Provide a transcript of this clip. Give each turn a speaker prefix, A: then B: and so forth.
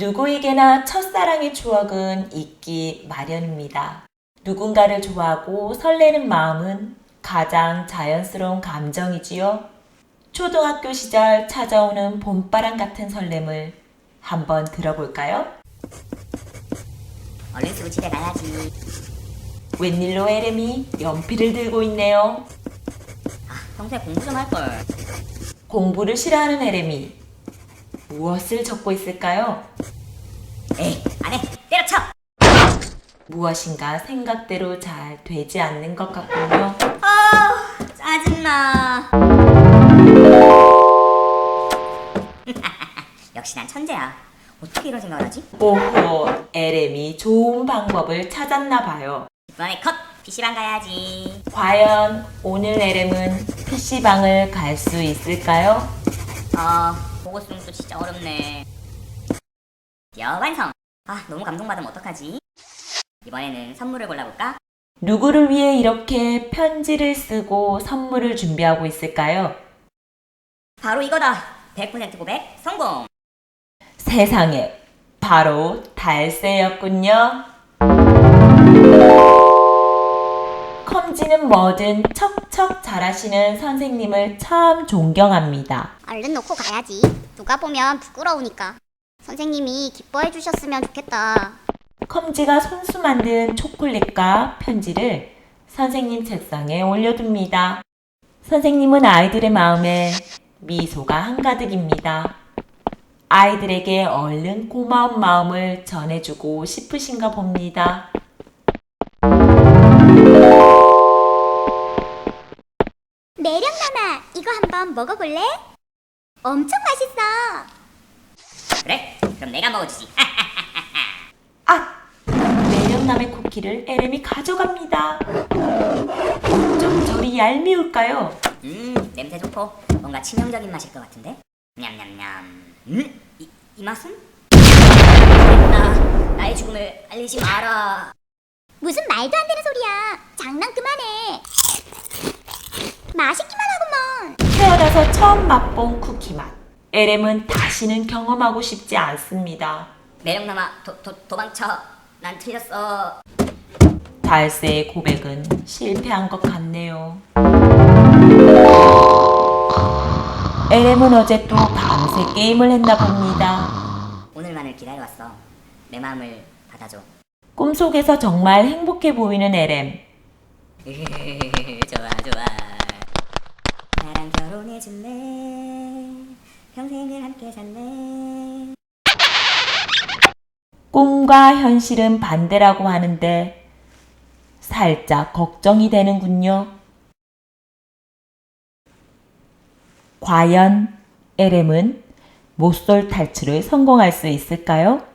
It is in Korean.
A: 누구에게나 첫사랑의 추억은 있기 마련입니다. 누군가를 좋아하고 설레는 마음은 가장 자연스러운 감정이지요. 초등학교 시절 찾아오는 봄바람 같은 설렘을 한번 들어볼까요?
B: 얼른 쓰고 집에 가야지.
A: 웬일로 에렘이 연필을 들고 있네요.
B: 평소에 공부 좀 할걸.
A: 공부를 싫어하는 에렘이 무엇을 적고 있을까요?
B: 에이, 안 해. 때려쳐!
A: 무엇인가 생각대로 잘 되지 않는 것 같군요.
B: 짜증나. 역시 난 천재야. 어떻게 이런 생각을 하지?
A: 오호, 에렘이 좋은 방법을 찾았나 봐요.
B: 이번에 컷! PC방 가야지.
A: 과연 오늘 에렘은 PC방을 갈 수 있을까요?
B: 보고 쓰는 것도 진짜 어렵네. 완성! 너무 감동받으면 어떡하지? 이번에는 선물을 골라볼까?
A: 누구를 위해 이렇게 편지를 쓰고 선물을 준비하고 있을까요?
B: 바로 이거다! 100% 고백 성공!
A: 세상에, 바로 달새였군요. 컴지는 뭐든 척척 잘하시는 선생님을 참 존경합니다.
C: 얼른 놓고 가야지. 누가 보면 부끄러우니까. 선생님이 기뻐해 주셨으면 좋겠다.
A: 컴지가 손수 만든 초콜릿과 편지를 선생님 책상에 올려둡니다. 선생님은 아이들의 마음에 미소가 한가득입니다. 아이들에게 얼른 고마운 마음을 전해주고 싶으신가 봅니다.
C: 매력남아, 이거 한번 먹어볼래? 엄청 맛있어.
B: 그래? 그럼 내가 먹어주지.
A: 매력남의 쿠키를 에렘이 가져갑니다. 어쩜 저리 얄미울까요?
B: 냄새 좋고 뭔가 치명적인 맛일 것 같은데? 냠냠냠. 이 맛은? 나의 죽음을 알리지 마라.
C: 무슨 말도 안 되는 소리야. 장난 그만해. 맛있기만 하구먼.
A: 태어나서 처음 맛본 쿠키 맛. 에렘은 다시는 경험하고 싶지 않습니다.
B: 매력남아, 도망쳐. 난 틀렸어.
A: 달새의 고백은 실패한 것 같네요. 에렘은 어제 또 밤새 게임을 했나 봅니다.
B: 오늘만을 기다려왔어. 내 마음을 받아줘.
A: 꿈속에서 정말 행복해 보이는 에렘.
B: 좋아. 나랑 결혼해줄래? 평생을 함께 살래?
A: 꿈과 현실은 반대라고 하는데 살짝 걱정이 되는군요. 과연 에렘은 모쏠 탈출을 성공할 수 있을까요?